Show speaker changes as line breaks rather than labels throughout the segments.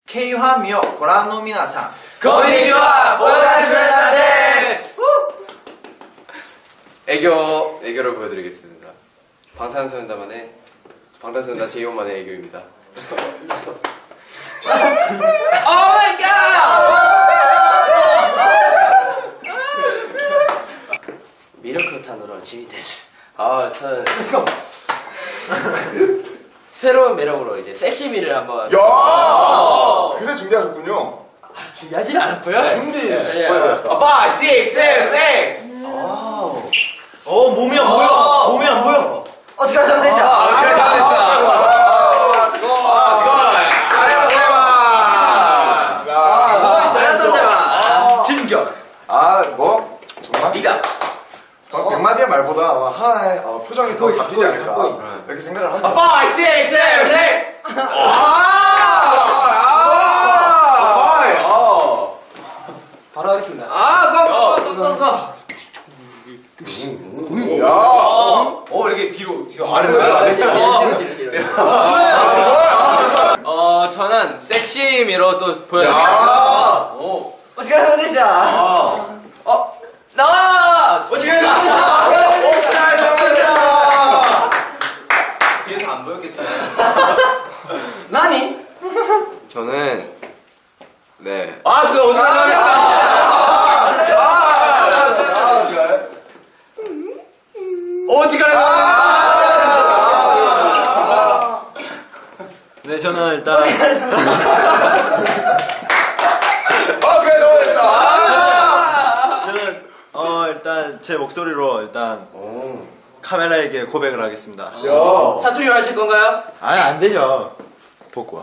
K-1 をご覧の皆さん、
こんにちは、ボーダーシュレッダーです。애교를 보여드리겠습니다. 방탄소년단만의 방탄소년단 제2호만의 애교입니다. Let's go, let's go. Oh my god! 미러크탄으로 지미데스. 저는 Let's go. 새로운 매력으로 이제 섹시미를 한번.
야, 그새 준비하셨군요.
준비하진 않았고요.
준비.
5, 6, 7, 8.
몸이 안 보여. 몸이 안 보여.
어떻게 하면 되죠?
진격.
뭐? 정말?
네가
100마디의 말보다 아마 하나의 표정이 더 값지지 않을까 이렇게 생각을 합니다.
5, 6, 7, 8. 바로 하겠습니다. 고.
야,
이렇게 뒤로 아래로 뒤로. 저는 섹시미로 또 보여드릴게요. 어떻게 하면 되죠? 나와!
어떻게 해야
뒤에서 안 보였겠지만. 나니? 저는 네.
네, 저는 일단 저는 일단 제 목소리로 일단 카메라에게 고백을 하겠습니다.
사투리로 하실 건가요?
아니, 안 되죠. 복구와.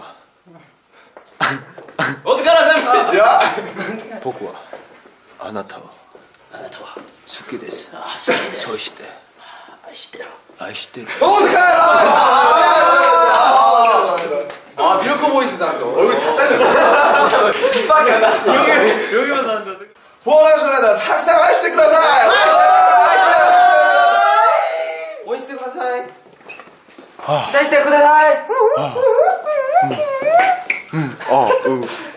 어떻게 알아서?
야,
복구와. 아나타와. 죽게 됐어. 소시대. 아이시대.
미러커 보이스다 또.
얼굴 다 잘렸어.
여기만 나온다.
보라쇼네다 착상 하시대 그다사이.
보이스트 가사이. 다시 때 그다사이.